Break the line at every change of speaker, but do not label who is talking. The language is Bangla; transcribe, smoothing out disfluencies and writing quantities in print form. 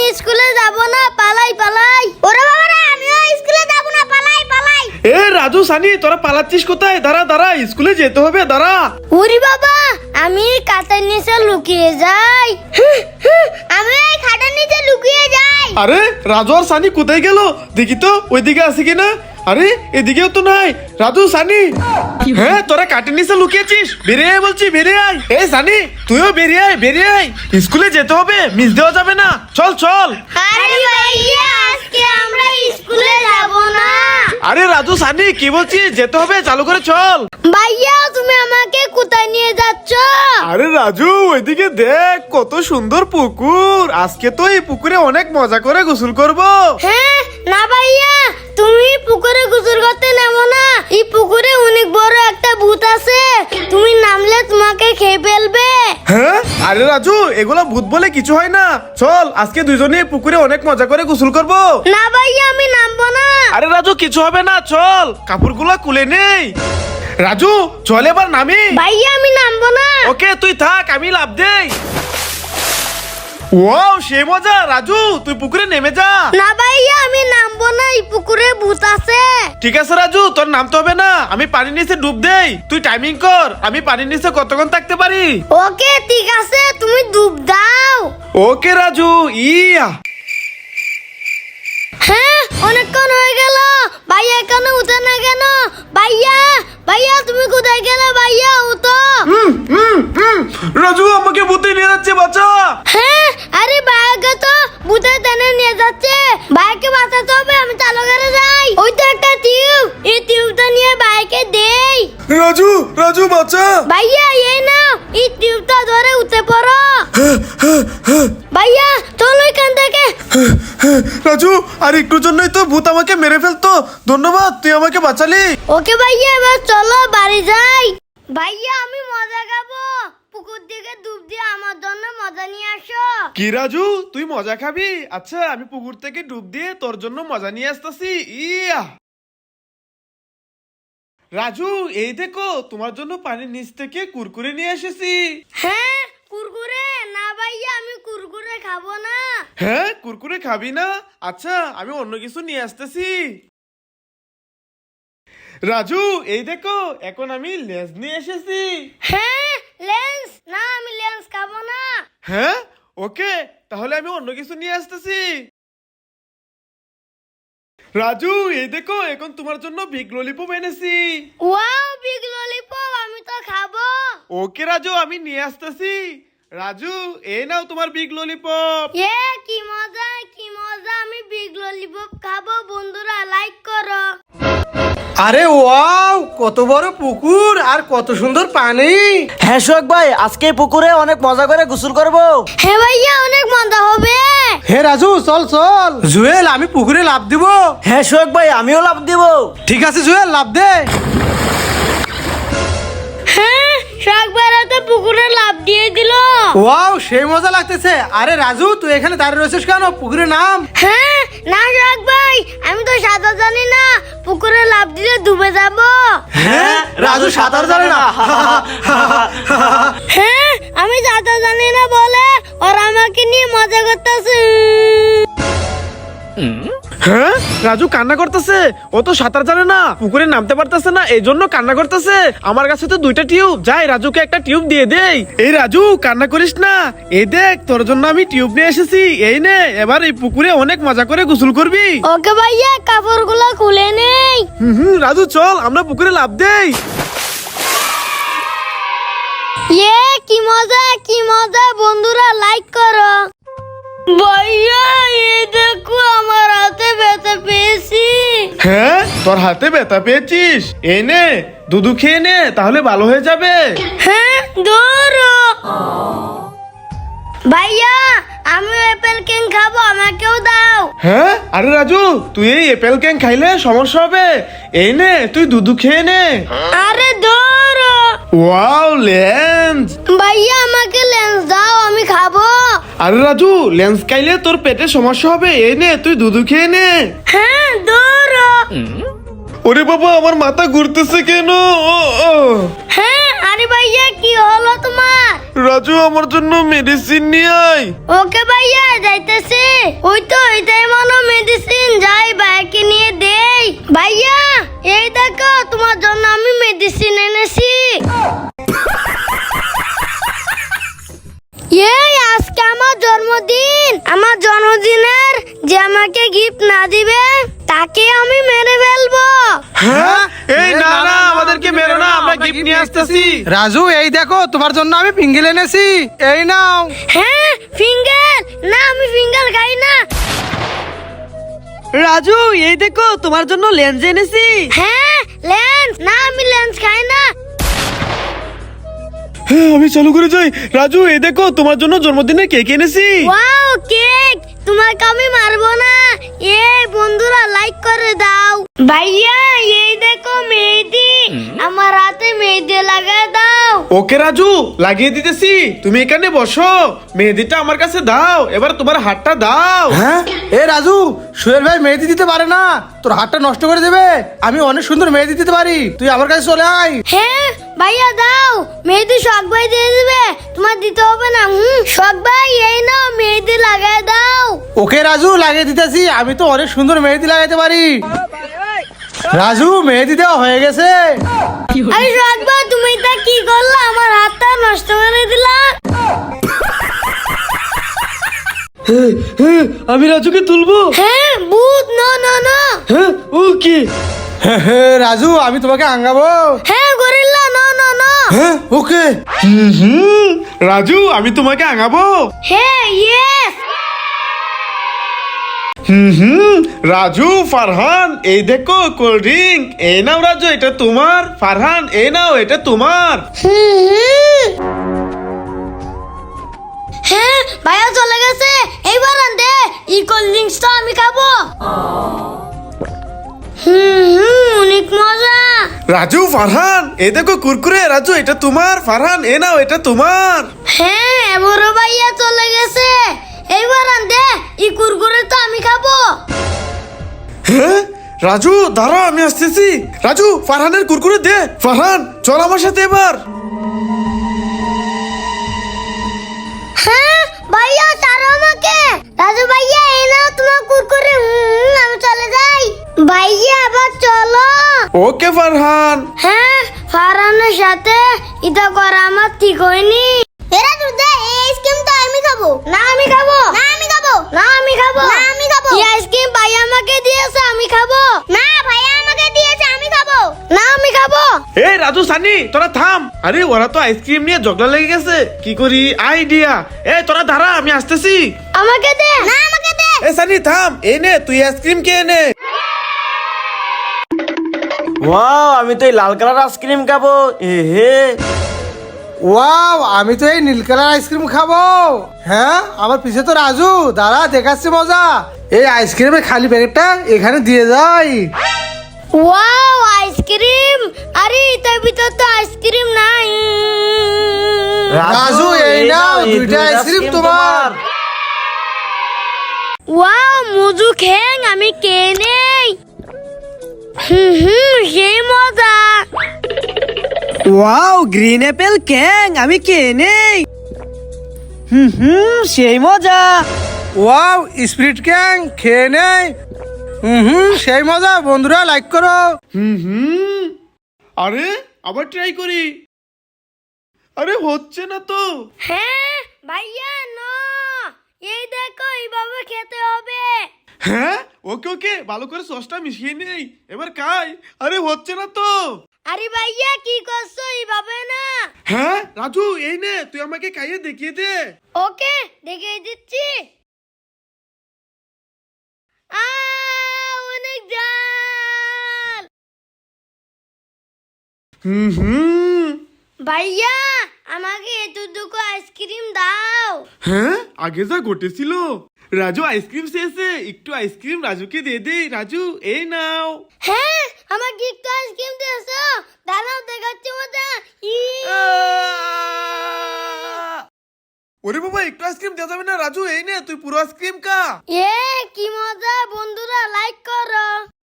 স্কুলে যাব না, পালাই পালাই। ওরে বাবা রে, আমিও স্কুলে যাব না, পালাই পালাই।
এ রাজু সানি, তোরা পালাচ্ছিস কোথায়? দাঁড়া দাঁড়া, স্কুলে যেতে হবে, দাঁড়া।
ওরে বাবা, আমি কাঁথার নিচে লুকিয়ে যাই। আমি এই খাটের নিচে লুকিয়ে যাই।
আরে রাজু আর সানি কোথায় গেল? দেখি তো ওইদিকে আছে কিনা। আরে এদিকেও তো নাই। রাজু সানি, হ্যাঁ তোরা কাটের নিচে লুকিয়েছিস? বেরিয়ে আয় বলছি, বেরিয়ে আয়। এই সানি, তুইও বেরিয়ে আয়, বেরিয়ে আয়। স্কুলে যেতে হবে, মিস দেওয়া যাবে না। চল চল।
আরে ভাইয়া, আজকে আমরা স্কুলে যাব না।
আরে রাজু সানি, কি বলছিস? যেতে হবে, চালু করে চল।
ভাইয়া, তুমি আমাকে কোথায় নিয়ে যাচ্ছ?
আরে রাজু, ওইদিকে দেখ, কত সুন্দর পুকুর। আজকে তো এই পুকুরে অনেক মজা করে গোসল করব।
হ্যাঁ না ভাইয়া, তুমি পুকুরে গোসল করতে নেমো না। এই পুকুরে অনেক বড় একটা ভূত আছে, তুমি নামলে তোমাকে খেয়ে ফেলবে।
হ্যাঁ? আরে রাজু, এগুলা ভূত বলে কিছু হয় না। চল, আজকে দুজনে পুকুরে অনেক মজা করে গোসল করব।
না ভাইয়া, আমি নামবো না।
আরে রাজু, কিছু হবে না, চল, কাপড়গুলো খুলে নেই। রাজু চল, এবার নামি।
ভাইয়া, আমি নামবো না।
ওকে, তুই থাক, আমি লাফ দেই। ওয়াও, সে মজা। রাজু, তুই পুকুরে নেমে যা।
না ভাইয়া, আমি নামবো না, এই পুকুরে ভূত আছে।
ঠিক আছে রাজু, তোর নামতে হবে না। আমি পানির নিচে ডুব দেই, তুই টাইমিং কর। আমি পানির নিচে কতক্ষণ থাকতে পারি?
ওকে ঠিক আছে, তুমি ডুব দাও।
ওকে রাজু, ইয়া।
হ্যাঁ, অনেকক্ষণ হয়ে গেল। ভাইয়া এখানে উঠে না কেন? ভাইয়া, ভাইয়া তুমি কোথায় গেলে? ভাইয়া উঠো।
রাজু, আমাকে ভূতে নিয়ে যাচ্ছে, বাঁচা।
হ্যাঁ, আরে ভাইয়াকে তো ভূতে টেনে নিয়ে যাচ্ছে। ভাইয়াকে বাঁচাতে হবে, আমি চালু করে যাই। ওই তো একটা টিউব, এই টিউবটা নিয়ে ভাইয়াকে দেই।
রাজু, রাজু বাঁচা।
ভাইয়া এই নাও, এই টিউবটা ধরে উঠে পড়ো। ভাইয়া চলো এখান থেকে।
রাজু, আর একটু জন্যই তো ভূত আমাকে মেরে ফেলতো। ধন্যবাদ, তুই আমাকে বাঁচালি।
ওকে ভাইয়া, এবার চলো বাড়ি যাই। ভাইয়া, আমি মজা খাবো। পুকুর দিকে ডুব দিয়ে আমার জন্য মজা নিয়ে আসো।
কি রাজু, তুই মজা খাবি? আচ্ছা, আমি পুকুর থেকে ডুব দিয়ে তোর জন্য মজা নিয়ে আসতেছি। ইয়া। রাজু, এই দেখো, তোমার জন্য পানির নিচ থেকে কুরকুরে নিয়ে এসেছি।
হ্যাঁ, কুরকুরে? না ভাইয়া, আমি কুরকুরে খাবো না।
হ্যাঁ, কুরকুরে খাবি না? আচ্ছা, আমি অন্য কিছু নিয়ে আসতেছি। রাজু, এই দেখো, এখন আমি লেজ নিয়ে এসেছি।
হ্যাঁ, লেন্স? না, আমি লেন্স খাবো না।
হ্যাঁ, ওকে, তাহলে আমি অন্য কিছু নিয়ে আসতেছি। রাজু, এই দেখো, এখন তোমার জন্য বিগ ললিপপ এনেছি।
ওয়াও, বিগ ললিপপ, আমি তো খাবো।
ওকে রাজু, আমি নিয়ে আসতেছি। রাজু, এই নাও তোমার বিগ ললিপপ।
এ কি মজা, কি মজা, আমি বিগ ললিপপ খাবো। বন্ধুরা লাইক করো।
আরে ওয়াও, কত বড় পুকুর আর কত সুন্দর পানি।
হ্যাঁ সোহাগ ভাই, আজকে পুকুরে অনেক মজা করে গোসল করব।
হ্যাঁ ভাইয়া, অনেক মজা হবে।
হে রাজু, চল চল। জুয়েল, আমি পুকুরে লাফ দিব।
হ্যাঁ সোহাগ ভাই, আমিও লাফ দিব।
ঠিক আছে জুয়েল, লাফ দে।
হ্যাঁ, শাক বেড়াতে পুকুরে লাফ দিয়ে দিল।
ওয়াও, সেই মজা লাগতেছে। আরে রাজু, তুই এখানে দাঁড়িয়ে রয়েছিস কেন? পুকুরে নাম।
হ্যাঁ, না শাক ভাই, আমি তো সাঁতার জানি না, পুকুরে লাফ দিলে ডুবে যাব।
হ্যাঁ, রাজু সাঁতার জানে না।
হ্যাঁ, আমি সাঁতার জানি না বলে ওরা আমাকে নিয়ে মজা করতেছে।
হ্যাঁ, রাজু কান্না করতেছে। ও তো সাঁতার জানে না, পুকুরে নামতে পারতেছে না, এই জন্য কান্না করতেছে। আমার কাছে তো দুইটা টিউব, যাই রাজুকে একটা টিউব দিয়ে দেই। এই রাজু, কান্না করিস না। এই দেখ, তোর জন্য আমি টিউব নিয়ে এসেছি। এই নে, এবার এই পুকুরে অনেক মজা করে গোসল করবি।
ওকে ভাইয়া, কাপড়গুলো খুলে নেই।
রাজু চল, আমরা পুকুরে লাফ দেই।
কি মজা, কি মজা। বন্ধুরা লাইক করো। ভাইয়া, এই দেখো, আমার হাতে ব্যথা পেয়েছি।
হ্যাঁ, তোর হাতে ব্যথা পেয়েছিস? এই নে, দুধু খেয়ে নে, তাহলে ভালো হয়ে যাবে।
হ্যাঁ, ধরো। ভাইয়া, আমি অ্যাপেল কেক খাবো, আমাকেও দাও।
হ্যাঁ, আরে রাজু, তুই এই অ্যাপেল কেক খাইলে সমস্যা হবে। এই নে, তুই দুধু খেয়ে নে।
আরে ধরো।
Wow, lens.
ভাইয়া, আমাকে লেন্স দাও, আমি খাবো।
আরে রাজু, লেন্স খাইলে তোর পেটে সমস্যা হবে। এই নে, তুই দুধু খেয়ে নে।
হ্যাঁ, ধরো।
ওরে বাবা, আমার মাথা ঘুরতেছে কেন?
হ্যাঁ, আরে ভাইয়া, কি হলো তোমার?
রাজু, আমার জন্য মেডিসিন নিয়ে আয়।
ওকে ভাইয়া, যাইতেছি। ওই তো এটাই মনে মেডিসিন, যাই ভাইকে নিয়ে দেই। ভাইয়া এই দেখো তোমার জন্য আমি মেডিসিন এনেছি। এই আজকে আমার জন্মদিন, আমার জন্মদিনের যে আমাকে গিফট না দিবে তাকে আমি মেরে ফেলবো।
হ্যাঁ এই না না আমাদেরকে মেরো না, আমরা গিফট নিয়ে আসতেছি।
রাজু এই দেখো তোমার জন্য আমি পিঙ্গেল এনেছি, এই নাও।
হ্যাঁ ফিঙ্গার, না আমি ফিঙ্গার খাই না।
রাজু এই দেখো তোমার জন্য লেন্স এনেছি।
হ্যাঁ লেন্স, না আমি লেন্স খাই না।
হ্যাঁ আমি চালু করে যাই। রাজু এই দেখো তোমার জন্য জন্মদিনে কেক এনেছি।
ওয়াও কেক, তোমাকে আমি মারবো না। এই বন্ধুরা লাইক করে দাও। ভাইয়া এই দেখো মেহেদি, আমার হাতে মেহেদি লাগায় দাও।
ওকে রাজু লাগিয়ে দিতেছি, তুমি এখানে বসো, মেহেদিটা আমার কাছে দাও, এবার তোমার হাতটা দাও।
হ্যাঁ এ রাজু, সুয়েল ভাই মেহেদি দিতে পারে না, তোর হাতটা নষ্ট করে দেবে। আমি অনেক সুন্দর মেহেদি দিতে পারি, তুই আমার কাছে চলে আয়।
হ্যাঁ ভাইয়া দাও, মেহেদি শখ ভাই দিয়ে দিবে, তোমার দিতে হবে না। শখ ভাই এই নাও মেহেদি লাগায় দাও।
ওকে রাজু লাগিয়ে দিতেছি, আমি তো অনেক সুন্দর মেহেদি লাগাইতে পারি। রাজু মেহেদি দেওয়া হয়ে গেছে।
আরে শখ ভাই তুমি এটা কি করলা, আমার হাতটা নষ্ট করে দিলা।
আমি রাজুকে তুলবো।
হ্যাঁ ভূত, না না না।
হ্যাঁ ও কি?
রাজু আমি তোমাকে আঙ্গাবো।
হ্যাঁ গরিল্লা, না না না।
হ্যাঁ ওকে।
রাজু আমি তোমাকে আঙাবো।
হ্যাঁ ইয়েস।
রাজু ফারহান এই দেখো কোল্ড ড্রিঙ্ক, এই নাও রাজু এটা তোমার, ফারহান এই নাও এটা তোমার।
হ্যাঁ ভাইয়া চলে গেছে, এইবার আনতে এই কোল্ড ড্রিঙ্কসটা আমি খাবো। অনেক মজা।
রাজু ফারহান এই দেখো কুরকুরে, রাজু এটা তোমার, ফারহান এ নাও এটা তোমার।
হ্যাঁ বড় ভাইয়া চলে গেছে, এইবার আনতে এই কুরকুরে তো আমি খাবো।
হ্যাঁ রাজু দাঁড়াও আমি আসতেছি। রাজু ফারহানের কুরকুরে দে, ফারহান চল আমার সাথে এবার।
হ্যাঁ ভাইয়া ছাড়ো আমাকে। রাজু ভাইয়া এই নাও তোমার কুরকুরে, আমি চলে যাই। ভাইয়া আবার চলো।
ওকে ফারহান।
হ্যাঁ ফারহানের সাথে এটা করা আমার ঠিক হয়নি। এরা দুধে এই আইসক্রিম তো আমি খাবো। না আমি খাবো। না আমি খাবো। না আমি খাবো। না আমি খাবো। এই আইসক্রিম ভাইয়া আমাকে দিয়েছে, আমি খাবো। না ভাইয়া আমাকে দিয়েছে, আমি খাবো। না আমি খাবো।
এই রাজু সানি তোরা থাম, আরে ওরা তো আইসক্রিম নিয়ে ঝগড়া লেগে গেছে, কি করি আইডিয়া। এই তোরা দাঁড়া আমি আসতেছি।
আমাকে দে। না আমাকে দে।
এ সানি থাম, এই নে তুই আইসক্রিম কে নে।
ওয়াও আমি তো এই লাল কালার আইসক্রিম খাবো। এ হে
ওয়াও আমি তো এই নীল কালার আইসক্রিম খাবো। হ্যাঁ আমার পিছে তো রাজু, দাঁড়া দেখাচ্ছি মজা। এই আইসক্রিমের খালি প্যাকেটটা এখানে দিয়ে যাই।
ওয়াও আইসক্রিম, আরে এটার ভিতর তো আইসক্রিম নাই।
রাজু এই নাও দুইটা আইসক্রিম তোমার।
ওয়াও মজু খেং আমি কে নেই। সেই মজা।
ওয়াও গ্রিন অ্যাপেল ক্যাং, আমি কে নেই। সেই মজা।
ওয়াও স্প্রিট ক্যাং খেয়ে নেই। সেই মজা। বন্ধুরা লাইক করো।
আরে আবার ট্রাই করি, আরে হচ্ছে না তো।
হ্যাঁ ভাইয়া না, এই দেখো এইভাবে খেতে হবে।
হ্যাঁ ওকে ওকে ভালো করে সসটা মিশিয়ে নেই, এবার খাই। আরে হচ্ছে না তো।
আরে ভাইয়া কি করছো, এইভাবে না।
হ্যাঁ রাজু এই নে তুই আমাকে খাইয়ে দেখিয়ে দে।
ওকে দেখিয়ে দিচ্ছি। অনেক জাল। ভাইয়া আমাকে এতটুকু আইসক্রিম দাও।
হ্যাঁ আগে যা ঘটেছিল, রাজু আইসক্রিম শেষে একটু আইসক্রিম রাজুকে দিয়ে দে। রাজু এই নাও।
হ্যাঁ আমাকে একটু আইসক্রিম দিয়েছো, দাঁড়াও দেখাচ্ছি মজা।
ওরে বাবা একটু আইসক্রিম দেওয়া যাবে না, রাজু এই নে তুই পুরো আইসক্রিম খা।
এ কি মজা। বন্ধুরা লাইক করো।